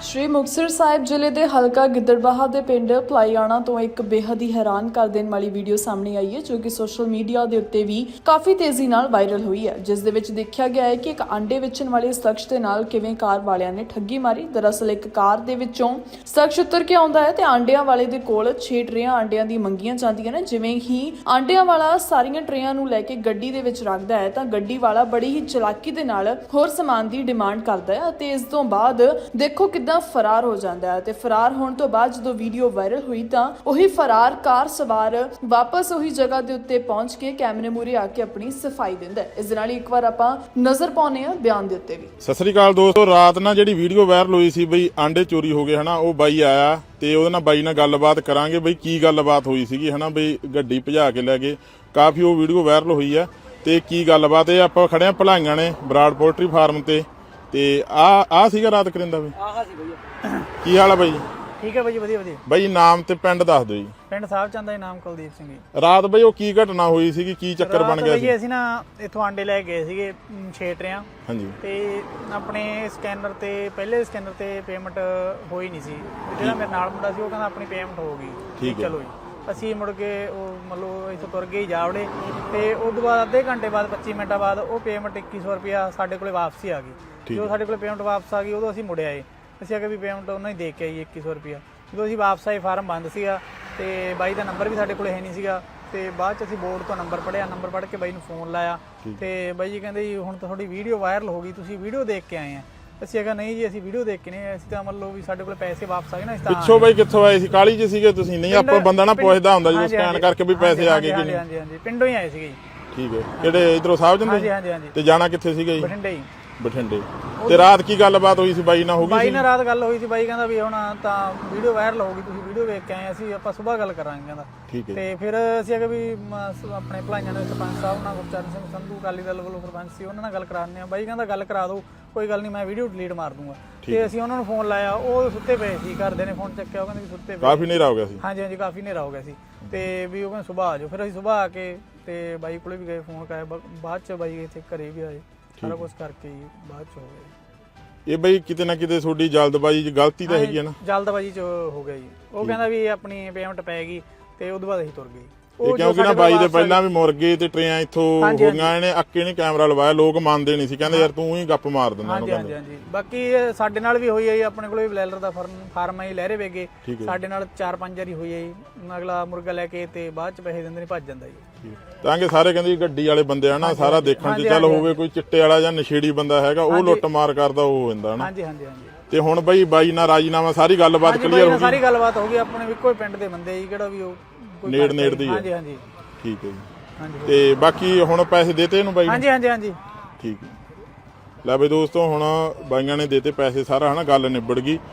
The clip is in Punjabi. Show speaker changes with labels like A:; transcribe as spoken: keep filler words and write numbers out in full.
A: ਸ਼੍ਰੀ ਮੁਕਤਸਰ ਸਾਹਿਬ ਜ਼ਿਲ੍ਹੇ ਦੇ ਹਲਕਾ ਗਿੱਦੜਬਾਹਾ ਦੇ ਪਿੰਡ ਭਲਾਈਆਣਾ ਤੋਂ ਇੱਕ ਬੇਹੱਦ ਹੀ ਹੈਰਾਨ ਕਰ ਦੇਣ ਵਾਲੀ ਵੀਡੀਓ ਸਾਹਮਣੇ ਆਈ ਹੈ, ਜੋ ਕਿ ਸੋਸ਼ਲ ਮੀਡੀਆ ਦੇ ਉੱਤੇ ਵੀ ਕਾਫੀ ਤੇਜ਼ੀ ਨਾਲ ਵਾਇਰਲ ਹੋਈ ਹੈ, ਜਿਸ ਦੇ ਵਿੱਚ ਦੇਖਿਆ ਗਿਆ ਹੈ ਕਿ ਇੱਕ ਆਂਡੇ ਵੇਚਣ ਵਾਲੇ ਸ਼ਖਸ ਦੇ ਨਾਲ ਕਿਵੇਂ ਕਾਰ ਵਾਲਿਆਂ ਨੇ ਠੱਗੀ ਮਾਰੀ। ਦਰਅਸਲ ਇੱਕ ਕਾਰ ਦੇ ਵਿੱਚੋਂ ਸ਼ਖਸ ਉਤਰ ਕੇ ਆਉਂਦਾ ਹੈ ਤੇ ਆਂਡਿਆਂ ਵਾਲੇ ਦੇ ਕੋਲ ਛੇ ਟਰੇਆਂ ਆਂਡਿਆਂ ਦੀ ਮੰਗੀਆਂ ਜਾਂਦੀਆਂ ਨੇ। ਜਿਵੇਂ ਹੀ ਆਂਡਿਆਂ ਵਾਲਾ ਸਾਰੀਆਂ ਟਰੇਆਂ ਨੂੰ ਲੈ ਕੇ ਗੱਡੀ ਦੇ ਵਿੱਚ ਰੱਖਦਾ ਹੈ ਤਾਂ ਗੱਡੀ ਵਾਲਾ ਬੜੀ ਹੀ ਚਲਾਕੀ ਦੇ ਨਾਲ ਹੋਰ ਸਮਾਨ ਦੀ ਡਿਮਾਂਡ ਕਰਦਾ ਹੈ ਅਤੇ ਇਸ ਤੋਂ ਬਾਅਦ ਦੇਖੋ ਕਿੱਦਾਂ ਫਰਾਰ ਹੋ ਜਾਂਦਾ ਹੈ। ਤੇ ਫਰਾਰ ਹੋਣ ਤੋਂ ਬਾਅਦ ਜਦੋਂ ਵੀਡੀਓ ਵਾਇਰਲ ਹੋਈ ਤਾਂ ਉਹੀ ਫਰਾਰ ਕਾਰ ਸਵਾਰ ਵਾਪਸ ਉਹੀ ਜਗ੍ਹਾ ਦੇ ਉੱਤੇ ਪਹੁੰਚ ਕੇ ਕੈਮਰੇ ਮੂਹਰੇ ਆ ਕੇ ਆਪਣੀ ਸਫਾਈ ਦਿੰਦਾ ਹੈ। ਇਸ ਦੇ ਨਾਲ ਇੱਕ ਵਾਰ ਆਪਾਂ ਨਜ਼ਰ ਪਾਉਂਦੇ ਹਾਂ ਬਿਆਨ ਦੇ ਉੱਤੇ ਵੀ।
B: ਸਤਿ ਸ੍ਰੀ ਅਕਾਲ ਦੋਸਤੋ, ਰਾਤ ਨਾਲ ਜਿਹੜੀ ਵੀਡੀਓ ਵਾਇਰਲ ਹੋਈ ਸੀ ਬਈ ਆਂਡੇ ਚੋਰੀ ਹੋ ਗਏ ਹਨਾ, ਉਹ ਬਾਈ ਆਇਆ ਤੇ ਉਹਦੇ ਨਾਲ ਬਾਈ ਨਾਲ ਗੱਲਬਾਤ ਕਰਾਂਗੇ ਬਈ ਕੀ ਗੱਲਬਾਤ ਹੋਈ ਸੀਗੀ ਹਨਾ, ਬਈ ਗੱਡੀ ਭਜਾ ਕੇ ਲੈ ਗਏ। ਕਾਫੀ ਉਹ ਵੀਡੀਓ ਵਾਇਰਲ ਹੋਈ ਆ ਤੇ ਕੀ ਗੱਲਬਾਤ ਇਹ ਆਪਾਂ ਖੜੇ ਆ ਭਲਾਈਆਂ ਨੇ ਬਰਾੜ ਪੋਲਟਰੀ ਫਾਰਮ ਤੇ ਤੇ ਆ ਆ ਸੀਗਾ ਰਾਤ ਕਰਿੰਦਾ ਬਈ।
C: ਆਹਾ ਸੀ ਭਈਆ।
B: ਕੀ ਹਾਲ ਆ ਬਾਈ?
C: ਠੀਕ ਹੈ ਬਾਈ, ਵਧੀਆ ਵਧੀਆ।
B: ਬਾਈ ਨਾਮ ਤੇ ਪਿੰਡ ਦੱਸ ਦਿਓ ਜੀ।
C: ਪਿੰਡ ਸਾਹਿਬ ਚੰਦ ਦਾ ਨਾਮ ਕੁਲਦੀਪ ਸਿੰਘ ਜੀ।
B: ਰਾਤ ਬਈ ਉਹ ਕੀ ਘਟਨਾ ਹੋਈ ਸੀਗੀ, ਕੀ ਚੱਕਰ ਬਣ ਗਿਆ ਸੀ?
C: ਅਸੀਂ ਨਾ ਇੱਥੋਂ ਆਂਡੇ ਲੈ ਗਏ ਸੀਗੇ ਛੇ ਟਰਿਆਂ।
B: ਹਾਂਜੀ।
C: ਤੇ ਆਪਣੇ ਸਕੈਨਰ ਤੇ ਪਹਿਲੇ ਸਕੈਨਰ ਤੇ ਪੇਮੈਂਟ ਹੋਈ ਨਹੀਂ ਸੀ। ਜਿਹੜਾ ਮੇਰੇ ਨਾਲ ਮੁੰਡਾ ਸੀ ਉਹ ਕਹਿੰਦਾ ਆਪਣੀ ਪੇਮੈਂਟ ਹੋ ਗਈ।
B: ਠੀਕ ਹੈ।
C: ਚਲੋ ਜੀ ਅਸੀਂ ਮੁੜ ਕੇ ਉਹ ਮਤਲਬ ਇੱਥੋਂ ਤੁਰ ਗਏ ਜਾਵੜੇ ਤੇ ਉਸ ਤੋਂ ਬਾਅਦ ਅੱਧੇ ਘੰਟੇ ਬਾਅਦ ਪੱਚੀ ਮਿੰਟਾਂ ਬਾਅਦ ਉਹ ਪੇਮੈਂਟ ਇੱਕੀ ਸੌ ਰੁਪਇਆ ਸਾਡੇ ਕੋਲੇ ਵਾਪਸੀ ਆ ਗਈ। ਜਦੋਂ ਸਾਡੇ ਕੋਲੇ ਪੇਮੈਂਟ ਵਾਪਸ ਆ ਗਈ ਉਦੋਂ ਅਸੀਂ ਮੁੜ ਆਏ। ਅਸੀਂ ਆ ਕੇ ਵੀ ਪੇਮੈਂਟ ਉਹਨਾਂ ਹੀ ਦੇ ਕੇ ਆਈ ਇੱਕੀ ਸੌ ਰੁਪਇਆ। ਜਦੋਂ ਅਸੀਂ ਵਾਪਸ ਆਏ ਫਾਰਮ ਬੰਦ ਸੀਗਾ ਤੇ ਬਾਈ ਦਾ ਨੰਬਰ ਵੀ ਸਾਡੇ ਕੋਲੇ ਹੈ ਨਹੀਂ ਸੀਗਾ। ਤੇ ਬਾਅਦ ਚ ਅਸੀਂ ਬੋਰਡ ਤੋਂ ਨੰਬਰ ਪੜਿਆ, ਨੰਬਰ ਪੜ੍ਹ ਕੇ ਬਾਈ ਨੂੰ ਫੋਨ ਲਾਇਆ ਤੇ ਬਾਈ ਜੀ ਕਹਿੰਦੇ ਜੀ ਹੁਣ ਤਾਂ ਤੁਹਾਡੀ ਵੀਡੀਓ ਵਾਇਰਲ ਹੋ ਗਈ, ਤੁਸੀਂ ਵੀਡੀਓ ਦੇਖ ਕੇ ਆਏ ਆ। ਅਸੀਂ ਕਿਹਾ ਨਹੀਂ ਜੀ ਅਸੀਂ ਵੀਡੀਓ ਦੇਖ ਕੇ ਨਹੀਂ, ਅਸੀਂ ਤਾਂ ਮੰਨ ਲਓ ਵੀ ਸਾਡੇ ਕੋਲ ਪੈਸੇ ਵਾਪਸ ਆ ਗਏ ਨਾ। ਇਸ ਤਾਂ
B: ਪਿੱਛੋਂ ਬਾਈ ਕਿੱਥੋਂ ਆਏ ਸੀ? ਕਾਲੀ ਚ ਸੀਗੇ ਤੁਸੀਂ? ਨਹੀਂ ਆਪਾਂ ਬੰਦਾ ਨਾ ਪੁੱਛਦਾ ਹੁੰਦਾ ਜਦੋਂ ਸਕੈਨ ਕਰਕੇ ਵੀ ਪੈਸੇ ਆ ਗਏ ਕਿ ਨਹੀਂ।
C: ਹਾਂਜੀ ਹਾਂਜੀ ਪਿੰਡੋਂ ਹੀ ਆਏ ਸੀਗੇ ਜੀ।
B: ਠੀਕ ਹੈ। ਕਿਹੜੇ ਇਧਰੋਂ ਸਾਹਿਬ ਜੰਦੇ?
C: ਹਾਂਜੀ ਹਾਂਜੀ ਹਾਂਜੀ।
B: ਤੇ ਜਾਣਾ ਕਿੱਥੇ ਸੀਗਾ ਜੀ?
C: ਬਠਿੰਡੇ ਹੀ।
B: ਬਠਿੰਡੇ। ਤੇ ਰਾਤ ਕੀ ਗੱਲਬਾਤ ਹੋਈ ਸੀ ਬਾਈ ਨਾਲ? ਹੋ ਗਈ
C: ਬਾਈ ਨਾਲ ਰਾਤ ਗੱਲ ਹੋਈ ਸੀ। ਬਾਈ ਕਹਿੰਦਾ ਵੀ ਹੁਣ ਤਾਂ ਵੀਡੀਓ ਵਾਇਰਲ ਹੋ ਗਈ, ਤੁਸੀਂ ਵੀਡੀਓ ਵੇਖ ਕੇ ਆਏ, ਅਸੀਂ ਆਪਾਂ ਸਵੇਰ ਗੱਲ ਕਰਾਂਗੇ ਕਹਿੰਦਾ।
B: ਠੀਕ ਹੈ।
C: ਤੇ ਫਿਰ ਅਸੀਂ ਅਗੇ ਵੀ ਆਪਣੇ ਭਲਾਈਆਂ ਦੇ ਸਰਪੰਚ ਸਾਹਿਬ ਨਾਲ ਗੁਰਚਰਨ ਸਿੰਘ ਸੰਧੂ ਅਕਾਲੀ ਦਲ ਵੱਲੋਂ ਸਰਪੰਚ ਸੀ, ਉਹਨਾਂ ਨਾਲ ਗੱਲ ਕਰਾਉਂਦੇ ਆ। ਬਾਈ ਕਹਿੰਦਾ ਗੱਲ ਕਰਾ ਦਿਓ, ਕੋਈ ਗੱਲ ਨਹੀਂ, ਮੈਂ ਵੀਡੀਓ ਡਿਲੀਟ ਮਾਰ ਦੂੰਗਾ। ਤੇ ਅਸੀਂ ਉਹਨਾਂ ਨੂੰ ਫੋਨ ਲਾਇਆ, ਉਹ ਸੁੱਤੇ ਪਏ ਸੀ। ਘਰਦੇ ਨੇ ਫੋਨ ਚੱਕਿਆ, ਉਹ ਕਹਿੰਦੇ ਵੀ ਸੁੱਤੇ ਪਏ।
B: ਕਾਫੀ ਹਨੇਰਾ ਹੋ ਗਿਆ ਸੀ।
C: ਹਾਂਜੀ ਹਾਂਜੀ ਕਾਫੀ ਹਨੇਰਾ ਹੋ ਗਿਆ ਸੀ ਤੇ ਵੀ ਉਹ ਕਹਿੰਦੇ ਸੁਬਾਹ ਆ ਜਾਓ। ਫਿਰ ਅਸੀਂ ਸੁਬਾਹ ਆ ਕੇ ਤੇ ਬਾਈ ਕੋਲੇ ਵੀ ਗਏ, ਫੋਨ ਕਰਾਇਆ। ਬਾਅਦ ਚ ਬਾਈ ਇੱਥੇ ਘਰੇ ਵੀ ਆਏ, ਸਾਰਾ ਕੁਝ ਕਰਕੇ ਹੀ ਬਾਅਦ ਚ ਹੋ ਗਿਆ।
B: ਇਹ ਬਈ ਕਿਤੇ ਨਾ ਕਿਤੇ ਤੁਹਾਡੀ ਜਲਦਬਾਜ਼ੀ ਚ ਗਲਤੀ ਤਾਂ ਹੈਗੀ ਹੈ ਨਾ?
C: ਜਲਦਬਾਜ਼ੀ ਚ ਹੋ ਗਿਆ ਜੀ। ਉਹ ਕਹਿੰਦਾ ਵੀ ਆਪਣੀ ਪੇਮੈਂਟ ਪੈ ਗਈ ਤੇ ਉਦੋਂ ਬਾਅਦ ਅਸੀਂ ਤੁਰ ਗਏ।
B: ਇਹ ਕਿਉਂਕਿ ਨਾ ਬਾਈ ਦੇ ਪਹਿਲਾਂ ਵੀ ਮੁਰਗੇ ਤੇ ਟਰੇਆਂ ਇੱਥੋਂ ਹੋ ਗਈਆਂ, ਇਹਨੇ ਅੱਕੇ ਨੇ ਕੈਮਰਾ ਲਵਾਇਆ, ਲੋਕ ਮੰਨਦੇ ਨਹੀਂ ਸੀ, ਕਹਿੰਦੇ ਯਾਰ ਤੂੰ ਹੀ ਗੱਪ ਮਾਰ ਦਿੰਦਾ ਉਹਨੂੰ।
C: ਹਾਂਜੀ ਹਾਂਜੀ। ਬਾਕੀ ਸਾਡੇ ਨਾਲ ਵੀ ਹੋਈ ਹੈ ਜੀ, ਆਪਣੇ ਕੋਲ ਵੀ ਬਲੈਲਰ ਦਾ ਫਾਰਮ ਹੈ ਜੀ, ਲਹਿਰੇ ਵੇਗੇ। ਸਾਡੇ ਨਾਲ ਚਾਰ ਪੰਜ ਵਾਰੀ ਹੋਈ ਹੈ ਜੀ। ਅਗਲਾ ਮੁਰਗਾ ਲੈ ਕੇ ਤੇ ਬਾਅਦ ਚ ਪੈਸੇ ਦਿੰਦੇ ਨੇ, ਭੱਜ ਜਾਂਦਾ ਜੀ।
B: ਤਾਂ ਕਿ ਸਾਰੇ ਕਹਿੰਦੇ ਗੱਡੀ ਵਾਲੇ ਬੰਦੇ ਆ ਨਾ, ਸਾਰਾ ਦੇਖਣ ਚ ਚੱਲ ਹੋਵੇ ਕੋਈ ਚਿੱਟੇ ਵਾਲਾ ਜਾਂ ਨਸ਼ੇੜੀ ਬੰਦਾ ਹੈਗਾ, ਉਹ ਲੁੱਟ ਮਾਰ ਕਰਦਾ ਉਹ ਹੋ ਜਾਂਦਾ ਨਾ।
C: ਹਾਂਜੀ ਹਾਂਜੀ ਹਾਂਜੀ।
B: ਤੇ ਹੁਣ ਬਈ ਬਾਈ ਨਾਲ ਰਾਜੀਨਾਮਾ ਸਾਰੀ ਗੱਲਬਾਤ ਕਲੀਅਰ ਹੋ ਗਈ?
C: ਸਾਰੀ ਗੱਲਬਾਤ ਹੋ ਗਈ। ਆਪਣੇ ਇੱਕੋ ਪਿੰਡ ਦੇ ਬੰਦੇ ਜੀ, ਕਿਹੜਾ ਵੀ ਉਹ
B: ਨੇੜ ਨੇੜ ਦੀ ਹੈ।
C: ਹਾਂਜੀ ਹਾਂਜੀ
B: ਠੀਕ ਹੈ ਜੀ। ਤੇ ਬਾਕੀ ਹੁਣ ਪੈਸੇ ਦੇਤੇ ਇਹਨੂੰ ਬਾਈ?
C: ਹਾਂਜੀ ਹਾਂਜੀ ਹਾਂਜੀ।
B: ਠੀਕ ਹੈ। ਲੈ ਬਈ ਦੋਸਤੋ, ਹੁਣ ਬਾਈਆਂ ਨੇ ਦੇਤੇ ਪੈਸੇ, ਸਾਰਾ ਹਨਾ ਗੱਲ ਨਿਬੜ ਗਈ।